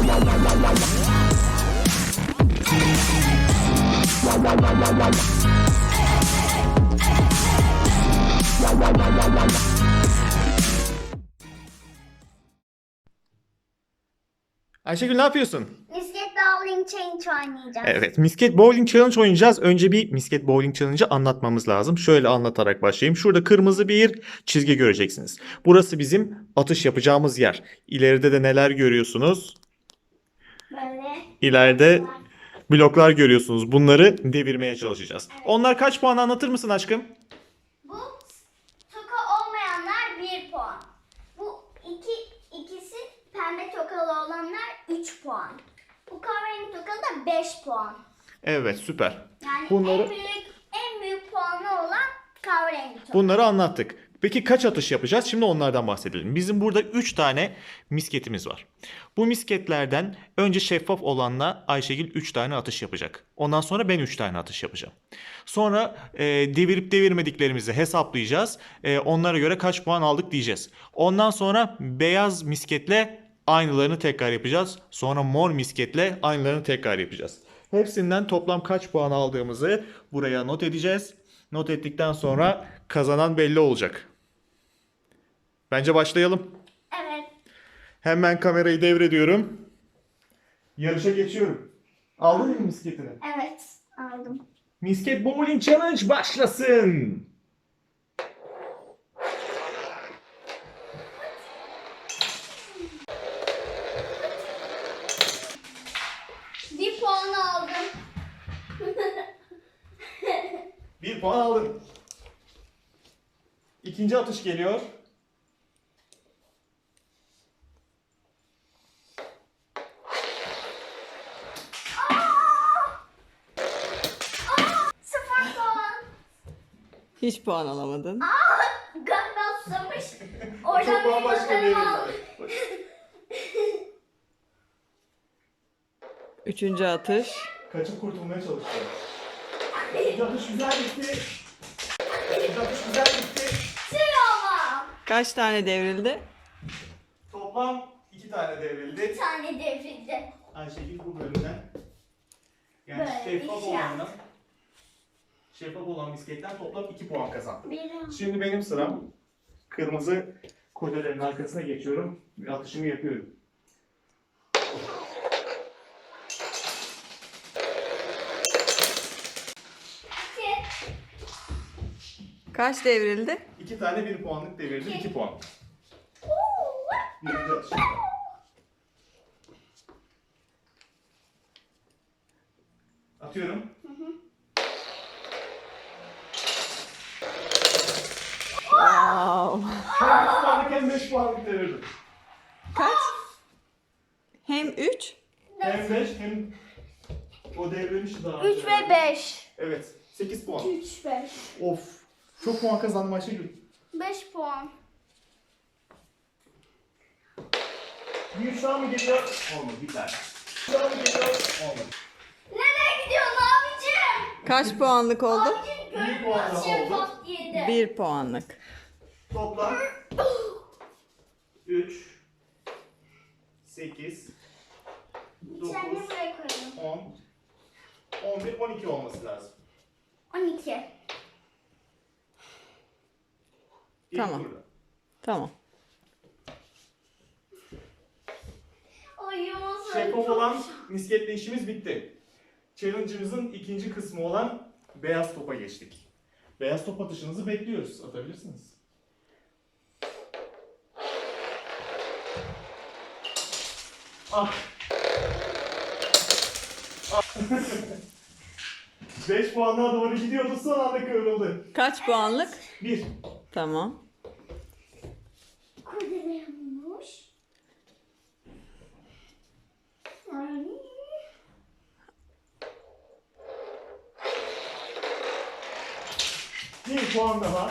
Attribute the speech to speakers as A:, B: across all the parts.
A: Ayşegül ne yapıyorsun?
B: Misket Bowling Challenge oynayacağız.
A: Evet, Misket Bowling Challenge oynayacağız. Önce bir Misket Bowling Challenge'ı anlatmamız lazım. Şöyle anlatarak başlayayım. Şurada kırmızı bir çizgi göreceksiniz. Burası bizim atış yapacağımız yer. İleride de neler görüyorsunuz?
B: Böyle.
A: İleride bloklar görüyorsunuz. Bunları devirmeye çalışacağız.
B: Evet.
A: Onlar kaç puan anlatır mısın aşkım?
B: Bu toka olmayanlar 1 puan. Bu ikisi pembe tokalı olanlar 3 puan. Bu kahverengi tokalı da 5 puan.
A: Evet, süper.
B: Yani
A: Bunları-
B: en büyük puanı olan kahverengi tokalı.
A: Bunları anlattık. Peki kaç atış yapacağız? Şimdi onlardan bahsedelim. Bizim burada 3 tane misketimiz var. Bu misketlerden önce şeffaf olanla Ayşegül 3 tane atış yapacak. Ondan sonra ben 3 tane atış yapacağım. Sonra devirip devirmediklerimizi hesaplayacağız. Onlara göre kaç puan aldık diyeceğiz. Ondan sonra beyaz misketle aynılarını tekrar yapacağız. Sonra mor misketle aynılarını tekrar yapacağız. Hepsinden toplam kaç puan aldığımızı buraya not edeceğiz. Not ettikten sonra kazanan belli olacak. Bence başlayalım.
B: Evet.
A: Hemen kamerayı devrediyorum. Yarışa geçiyorum. Aldın mı misketini?
B: Evet. Aldım.
A: Misket Bowling Challenge başlasın.
B: Bir puan aldım.
A: 1 puan aldın. İkinci atış geliyor.
B: Sıfır puan.
C: Hiç puan alamadın.
B: Galiba susamış.
A: Çok
B: Oradan bir
A: bambaşka bir
B: bakalım aldım.
C: Üçüncü atış.
A: Kaçıp kurtulmaya çalışıyor. İkinci atış güzel gitti. İkinci atış güzel gitti.
B: Ama.
C: Kaç tane devrildi?
A: Toplam 2 tane devrildi.
B: Bir tane devrildi.
A: Ayşegül bu bölümden yani
B: Böyle
A: şeffaf
B: bir şey
A: olandan şeffaf olan misketten toplam 2 puan kazandı.
B: Bir.
A: Şimdi benim sıram. Kırmızı kolyelerin arkasına geçiyorum ve atışımı yapıyorum.
C: Kaç devrildi?
A: 2 tane 1 puanlık devirdim, 2 puan. Birinci atışım. Atıyorum.
C: Wow.
A: Hem 3 puanlık hem 5 puanlık devirdim.
C: Kaç? Hem 3.
A: Hem 5 hem o devrilmişti daha önce.
B: 3 ve 5.
A: Evet, 8 puan.
B: 3, 5.
A: Of, çok puan kazandım Ayşegül.
B: 5 puan.
A: Bir 3 daha mı geliyor? Olmadı, bir tane. 3 daha mı geliyor? Olmadı.
B: Nereye gidiyorsun abicim?
C: Kaç puanlık oldu?
B: Abicim
A: Bir puan daha
B: görünmez şeffaf yedi.
C: 1 puanlık.
A: Toplam 3, 8,
B: Bir tane
A: 9,
B: buraya koyalım.
A: 10, 11, 12 olması lazım.
B: 12.
A: İlk
C: Tamam.
A: turda.
C: Tamam.
B: Ay Yunus.
A: Şeffaf olan misketle işimiz bitti. Challenge'ımızın ikinci kısmı olan beyaz topa geçtik. Beyaz top atışınızı bekliyoruz. Atabilirsiniz. Ah. 5 puanlığa doğru gidiyordu, son anda kıvrıldı.
C: Kaç puanlık?
A: 1.
C: Tamam.
B: Kurdelemiş. Ay.
A: Bir puan daha.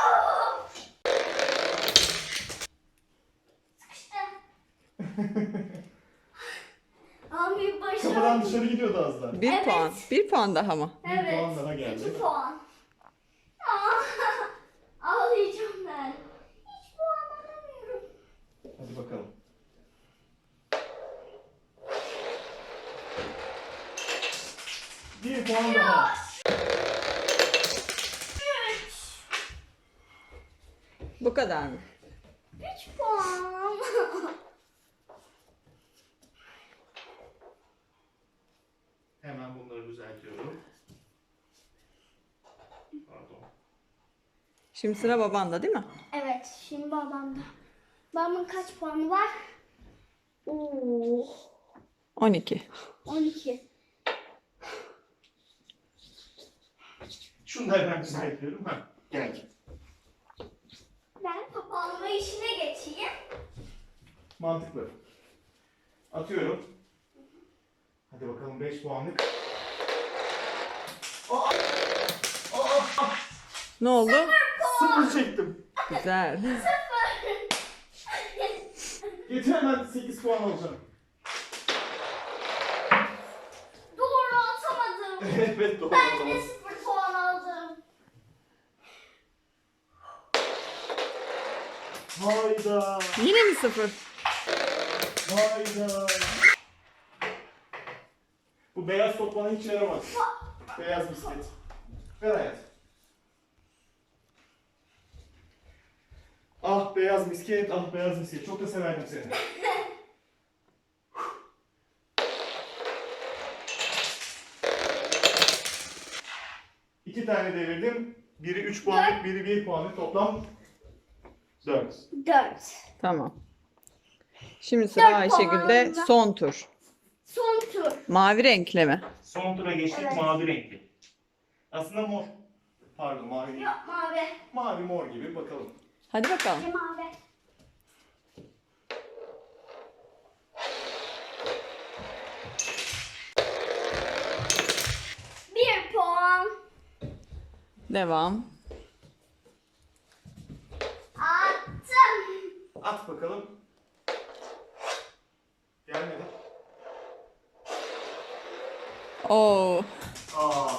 B: Abi
A: Kapıdan
B: başardım.
A: dışarı gidiyordu az daha.
C: 1
B: Evet.
C: puan. 1 puan daha mı?
A: Bir
B: Evet.
A: puan daha geldi.
B: 2 puan. Aa, ağlayacağım ben. Hiç puan alamıyorum.
A: Hadi bakalım. puan daha.
B: 3.
C: Bu kadar mı?
B: 3 puan.
A: Hemen bunları düzeltiyorum. Pardon.
C: Şimdi sıra babanda değil mi?
B: Evet, şimdi babamda. Babamın kaç puanı var? Oo,
C: 12.
B: 12.
A: Şunu da hemen düzeltiyorum. Ha, gel.
B: Ben top alma işine geçeyim.
A: Mantıklı. Atıyorum. Hadi bakalım 5 puanlık. Aa! Aa!
C: Ne oldu?
A: Sıfır çektim.
C: Güzel.
A: Getir hemen 8 puan alacağım.
B: Doğru atamadım.
A: Evet doğru.
B: Ben
A: tamam.
B: de 0 puan aldım.
A: Hayda.
C: Yine mi 0?
A: Hayda. Bu beyaz top bana hiç yaramaz. Beyaz bisiklet. Ver hayat. Ah beyaz misket, ah beyaz misket. Çok da severdim seni. İki tane devirdim. Biri 3 puanlık, biri 1 puanlık. Toplam 4.
B: 4.
C: Tamam. Şimdi sıra
B: 4
C: Ayşegül'de
B: puanla.
C: son tur.
B: Son tur.
C: Mavi renkli mi?
A: Son tura geçtik,
B: Evet.
A: mavi renkli. Aslında mor. Pardon mavi değil.
B: Yok mavi.
A: Mavi mor gibi bakalım.
C: Hadi bakalım.
B: Mavi. Bir puan.
C: Devam.
B: Attım.
A: At bakalım. Gelmedi.
C: Oo.
A: Aa.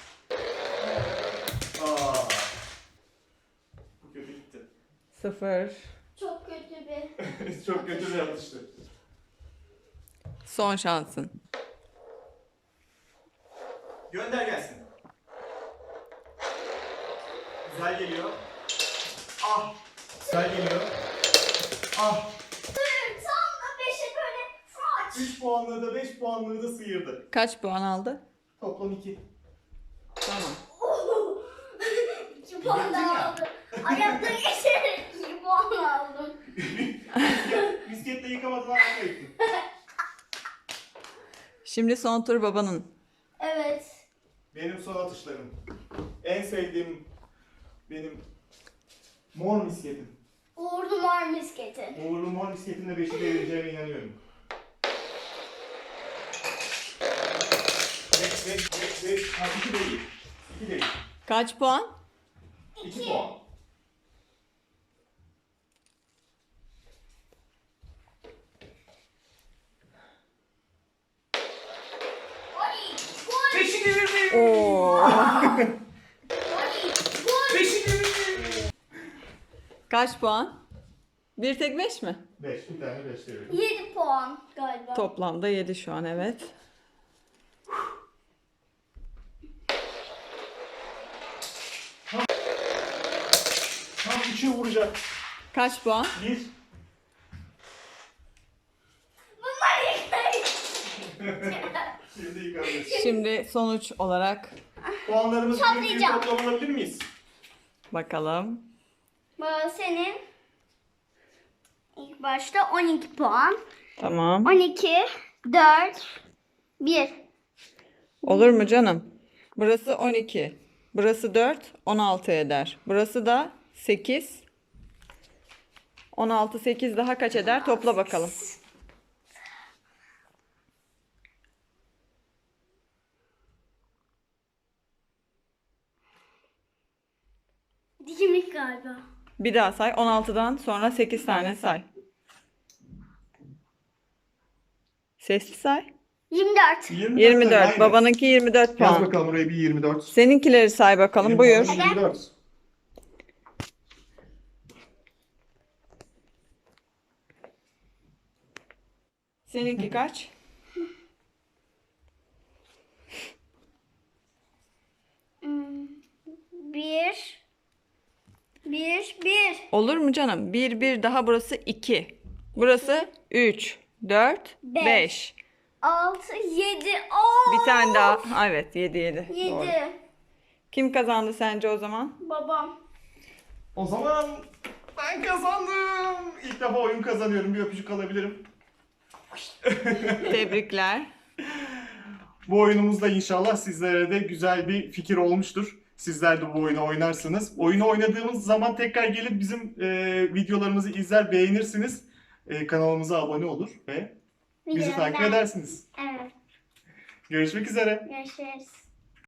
A: Aa. Bu kötü gitti.
C: 0.
B: Çok kötü bir.
A: Çok kötü bir atıştı.
C: Son şansın.
A: Gönder gelsin. Güzel geliyor. Ah. Güzel geliyor. Ah.
B: Tam da 5'e böyle fraç.
A: 3 puanlığı da 5 puanlığı da sıyırdı.
C: Kaç puan aldı?
A: Toplam 2.
C: Tamam.
B: 2 puan daha aldım. Ayakta geçerek 2 puan aldım.
A: Misketle yıkamadan akla gittin.
C: Şimdi son tur babanın.
B: Evet.
A: Benim son atışlarım. En sevdiğim benim mor misketim.
B: Uğurlu mor misketi.
A: Uğurlu mor misketimle 5'i devireceğime inanıyorum. Ha, 2 değil. 2 değil.
C: Kaç puan?
A: 2 puan.
B: Oy! Gol!
A: 5'i devirdim.
C: Oo.
B: Oy! Gol!
A: 5'i devirdim.
C: Kaç puan? Bir tek 5 mi?
A: 5, bir tane 5 devirdim.
B: 7 puan galiba.
C: Toplamda 7 şu an, evet.
A: Tam 3'e vuracak.
C: Kaç puan?
A: 1.
B: Bunlar yıkayın.
A: Şimdi yıkanmış.
C: Şimdi sonuç olarak
A: Puanlarımızı bir
B: Toplayacağım.
A: toplam alabilir miyiz?
C: bakalım.
B: Bu senin ilk başta 12 puan.
C: Tamam.
B: 12, 4, 1.
C: Olur mu canım? Burası 12. Burası 4, 16 eder. Burası da 8. 16, 8 daha kaç eder? Topla bakalım.
B: Dikimlik galiba.
C: Bir daha say. 16'dan sonra 8 tane say. Sesli say.
B: 24.
C: 24.
A: Aynen.
C: Babanınki 24
A: Yaz
C: puan.
A: bakalım oraya bir 24.
C: Seninkileri say bakalım.
A: Benim
C: Buyur.
A: puanım 24.
C: Seninki kaç? Olur mu canım? 1, 1 daha burası 2. Burası 3, 4, 5.
B: 6, 7.
C: Bir tane daha. Evet 7, 7.
B: 7.
C: Kim kazandı sence o zaman?
B: Babam.
A: O zaman ben kazandım. İlk defa oyun kazanıyorum. Bir öpücük alabilirim.
C: Tebrikler.
A: Bu oyunumuzda inşallah sizlere de güzel bir fikir olmuştur. Sizler de bu oyunu oynarsınız. Oyunu oynadığımız zaman tekrar gelip bizim videolarımızı izler, beğenirsiniz. Kanalımıza abone olur ve bizi takip edersiniz.
B: Evet.
A: Görüşmek üzere.
B: Görüşürüz.